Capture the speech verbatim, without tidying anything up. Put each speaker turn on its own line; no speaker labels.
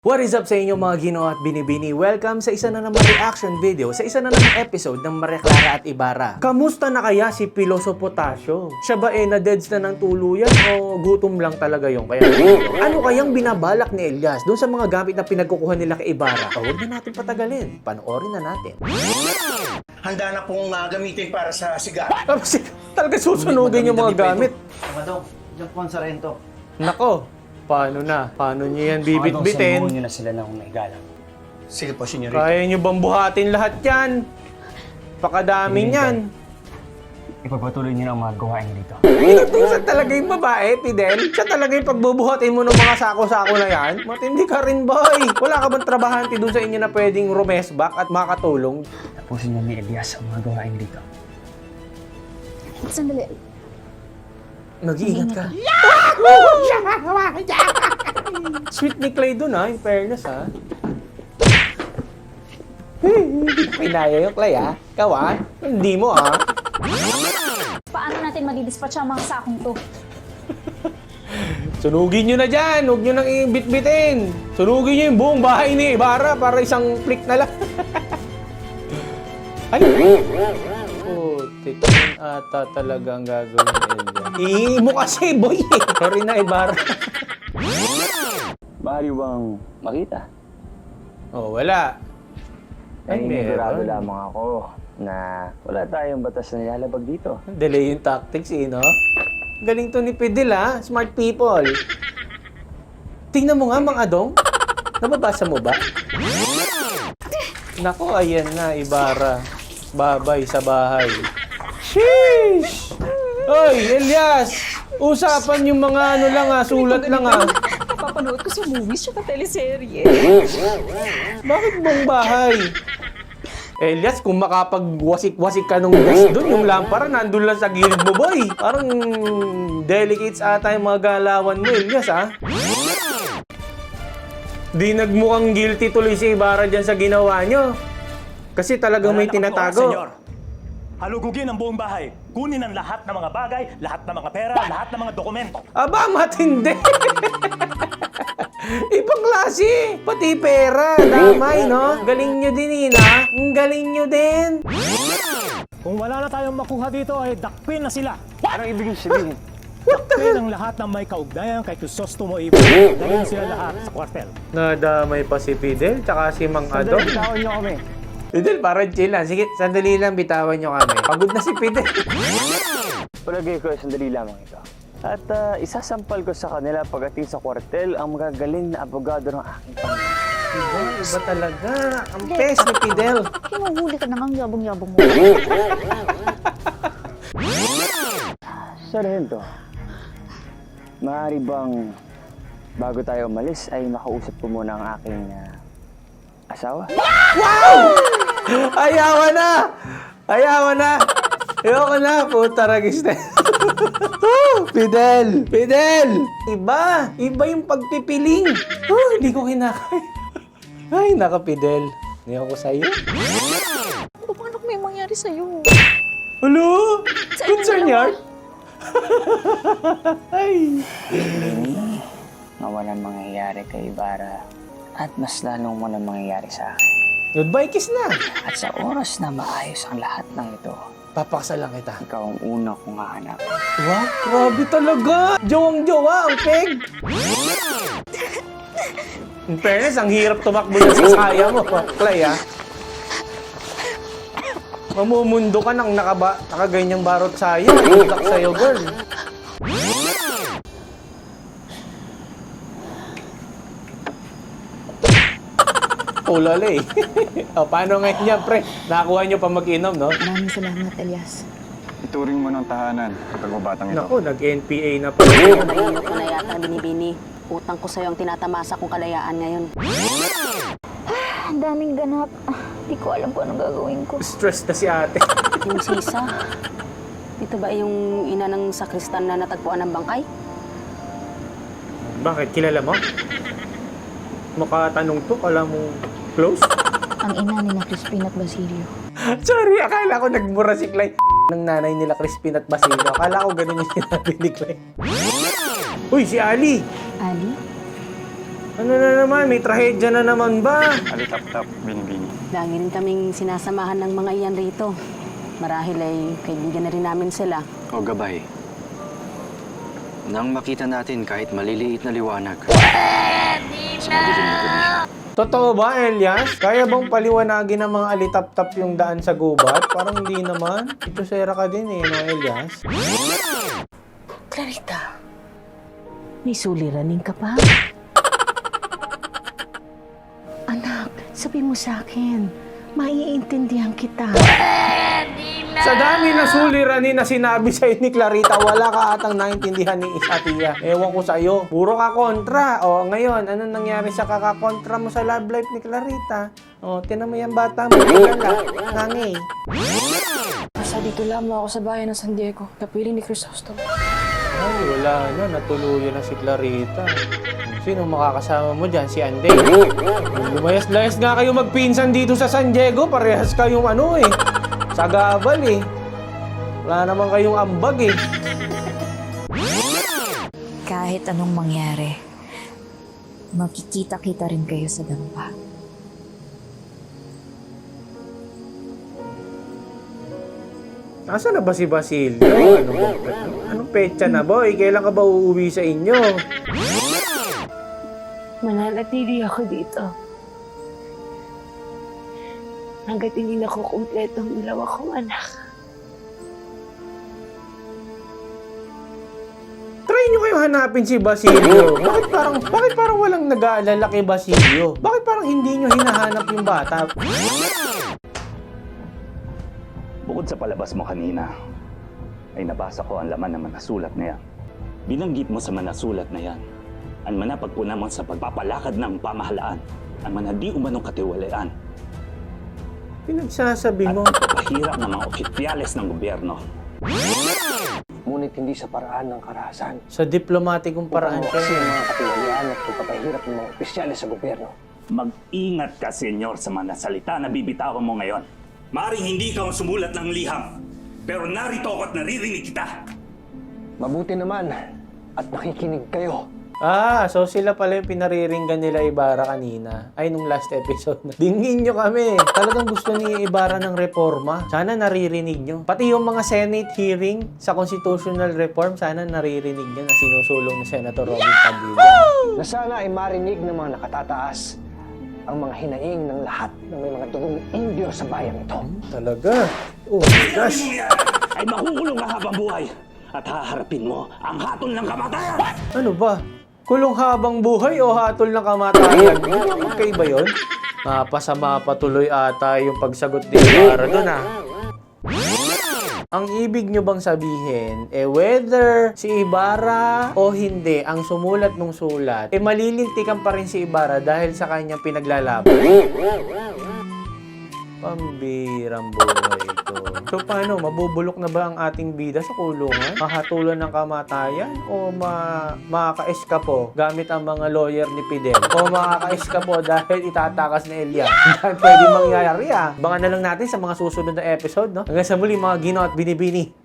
What is up sa inyo mga Ginoo at Binibini? Welcome sa isa na namang reaction video, sa isa na namang episode ng Maria Clara at Ibarra. Kamusta na kaya si Piloso Potasio? Siya ba eh na-deads na ng tuluyan o gutom lang talaga yung kaya? Ano kayang binabalak ni Elias doon sa mga gamit na pinagkukuha nila kay Ibarra? O, huwag na natin patagalin. Panoorin na natin.
Handa na pong uh, gamitin para sa sigaw.
Talaga susunugin yung mga gamit.
Madong, diyan po ang sarento.
Nako, paano na? Paano niyo yan bibit-bitin?
Madong, nyo na sila ng may galang.
Sige po, senyorita.
Kaya niyo bang buhatin lahat yan? Pakadami niyan.
Ipagpatuloy nyo na ang mga gawain dito.
Siya talaga yung babae, Fidel. Siya talaga yung pagbubuhatin mo ng mga sako-sako na yan. Matindi ka rin, boy. Wala ka bang trabahante doon sa inyo na pwedeng rumesbak at makatulong?
Tapusin nyo ni Elias ang mga gawain dito.
Sandali.
Nag-iingat ka. Sweet ni Clay doon ha, in fairness ha. Hindi ko kinaya yung Clay ha. Ikaw ha, hindi mo ha.
Paano natin madidispatch ang mga sakong to?
Sunugin nyo na dyan, huwag nyo nang i-bit-bitin. Sunugin nyo yung buong bahay ni Ibarra para isang flick na lang. Ay! Putik, yun ata talaga ang gagawin ni Elia. Ihingi mo kasi, boy! Sorry na, Ibarra.
Maaari bang makita?
Oh, wala. Ay,
Ay, nagurado
meron.
lamang ako na wala tayong batas na nilalabag dito.
Delay yung tactics, eh, no? Galing to ni Fidel, ha? Smart people. Tingnan mo nga, Mang Adong. Nababasa mo ba? Nako, ayan na, Ibarra. Babay sa bahay. Sheesh! Hoy, Elias! Usapan yung mga ano lang ha, sulat lang ha.
Papanood ko sa movies at teleserye.
Bakit buong bahay? Elias, kung makapagwasik-wasik ka nung gas doon, yung lampara nandun lang sa gilid mo, boy. Parang delicates ata yung mga galawan mo, Elias, ha? Di nagmukhang guilty tuloy si Ibarra dyan sa ginawa nyo. Kasi talagang may tinatago.
Senyor, halugugin ang buong bahay. Kunin ang lahat ng mga bagay, lahat ng mga pera, lahat ng mga dokumento.
Aba, matindi! Ibang klase! Pati pera, damay, no? Galing nyo din, Ina. Ang galing nyo din.
Kung wala na tayong makuha dito, ay dakpin na sila.
Anong ibig sabihin?
Dakpin ang lahat ng may kaugnayan kay Crisostomo Ibo. Dahil sila lahat sa kwartel.
Nadamay pa si Fidel, tsaka si Mang Adong.
Bitawan niyo kami.
Fidel, parang chill lang. Sige, sandali lang, bitawan nyo kami. Pagod na si Fidel.
Palagay ko, sandali lamang ito. At ah, isasampal ko sa kanila pagdating sa kwartel ang magagaling na abogado ng aking pamilya.
Iba talaga. Ang pes ni Fidel.
Hinuhuli ka na ang yabang-yabang mo.
Sargento, maaari bang bago tayo umalis ay makausap ko muna ang aking ah, asawa?
Ayawa na! Ayawa na! Ayoko na, puta ragis na. Oh, Fidel! Fidel! Iba! Iba yung pagpipiling. Oh, hindi ko kinakaya. Ay, naka Fidel. Hindi ako sa'yo.
Paano kung may mangyari sa'yo?
Hello? Concern yard? Ay.
Na walang mangyayari kay Ibarra at mas lalong walang mangyayari sa akin.
Goodbye kiss na.
At sa oras na maayos ang lahat ng ito,
Papakasalan kita.
ikaw ang una kong hahanap.
Wow, grabe talaga. Jowang-jowa ang peg. In fairness, ang hirap tumakbo na sa saya mo, Clay, ha? Mamumundo ka ng nakaba, nakaganyang barot saya. Itak sa'yo, girl. Ulala eh. O, paano ngayon niya, pre? Nakakuha niyo pa mag-inom, no?
Maraming salamat, Elias.
Ituring mo ng tahanan ang pagbabatang ito.
Naku, nag-N P A na pala.
Nahihirap ko na yata, Binibini. Utang ko sa'yo ang tinatamasa kong kalayaan ngayon.
Ang daming ganap. Ah, Di ko alam kung anong gagawin ko.
Stress na si ate.
Yung sisa, ito ba yung ina ng sakristan na natagpuan ng bangkay?
Bakit? Kilala mo? Makatanong to, alam mo close?
Ang ina ni na Crispin at Basilio.
Sorry, akala ko nagmura si Clay ng nanay nila Crispin at Basilio. Akala ko ganun yung sinabi ni Clay. Uy, si Ali!
Ali?
Ano na naman? May trahedya na naman ba?
Alitap-tap, binibini.
Lagi rin kaming sinasamahan ng mga iyan rito. Marahil ay kaibigan na rin namin sila.
O gabay. Nang makita natin kahit maliliit na liwanag. Sa madilim na gabi.
Totoo ba, Elias? Kaya bang paliwanagin ng mga alitap-tap yung daan sa gubat? Parang hindi naman. Ito sera ka din eh, no, Elias?
Clarita, may suliranin ka pa? Anak, sabi mo sa akin, maiintindihan kita.
Sa dami na suliranin na sinabi sa'yo ni Clarita, wala ka atang naintindihan ni Isatia. Ewan ko sa'yo. Puro ka kontra. O, ngayon, anong nangyari sa kakakontra mo sa love life ni Clarita? O, tinan mo yung bata mo. Nagala. Nangi.
Basta dito lamang ako sa bayan ng San Diego, kapiling ni Crisostomo.
Ay, wala na. Natuluyan na si Clarita. Sino makakasama mo dyan? Si Anday. Lumayas-layas nga kayo magpinsan dito sa San Diego. Parehas kayong ano eh. Sagabal eh. Wala naman kayong ambag eh.
Kahit anong mangyari, makikita-kita rin kayo sa dampa.
Nasaan na ba si Basilio? Ano ba? Anong petsa na boy? Kailan ka ba uuwi sa inyo?
Mananatili ako dito. Hanggat hindi na ko kumpletong dalawa kong anak.
Try nyo kayo hanapin si Basilio. Bakit parang, bakit parang walang nag-aalala kay Basilio? Bakit parang hindi nyo hinahanap yung bata?
Bukod sa palabas mo kanina, ay nabasa ko ang laman ng manasulat na yan. Binanggit mo sa manasulat na yan, ang manapagpuna mo sa pagpapalakad ng pamahalaan, ang manadi umanong katiwalaan,
Pinagsasabi mo.
at pagpapahirap ng mga opisyales ng gobyerno.
Ngunit hindi sa paraan ng karahasan.
Sa diplomatikong paraan
Kasi
kayo.
mga katiwalaan at pagpapahirap ng mga opisyales sa gobyerno.
Mag-ingat ka, senyor, sa mga salita na bibitawan mo ngayon. Maaring hindi ka sumulat ng liham, pero narito ako at naririnig kita.
Mabuti naman at nakikinig kayo.
Ah, so sila pala yung pinariringgan nila Ibarra kanina. Ay, nung last episode na. Dingin nyo kami. Talagang gusto ni Ibarra ng reforma. Sana naririnig nyo. Pati yung mga Senate hearing sa constitutional reform, sana naririnig nyo na sinusulong ni Senator Robin Padilla.
Na sana ay marinig ng mga nakatataas ang mga hinaing ng lahat ng may mga dugong Indio sa bayan ito.
Talaga? Oh my gosh.
Ay makukulong ka habang buhay at haharapin mo ang hatol ng kamatayan.
Ano ba? Kulong habang buhay o hatol ng kamatayan? Hindi ba magkaiba yun? Mapasama patuloy ata yung pagsagot ni Ibarra doon ah. Ang ibig nyo bang sabihin, eh whether si Ibarra o hindi ang sumulat ng sulat, eh malilintikan pa rin si Ibarra dahil sa kanyang pinaglalaban? Pambirang buhay ko. So paano, mabubulok na ba ang ating bida sa kulungan? Mahatulan ng kamatayan? O ma makaka-eskapo gamit ang mga lawyer ni Fidel? O makaka-eskapo dahil itatakas ni Elia? Dahil pwede mangyayari ah. Abangan na lang natin sa mga susunod na episode, no? Hanggang sa muli mga Gino at Binibini.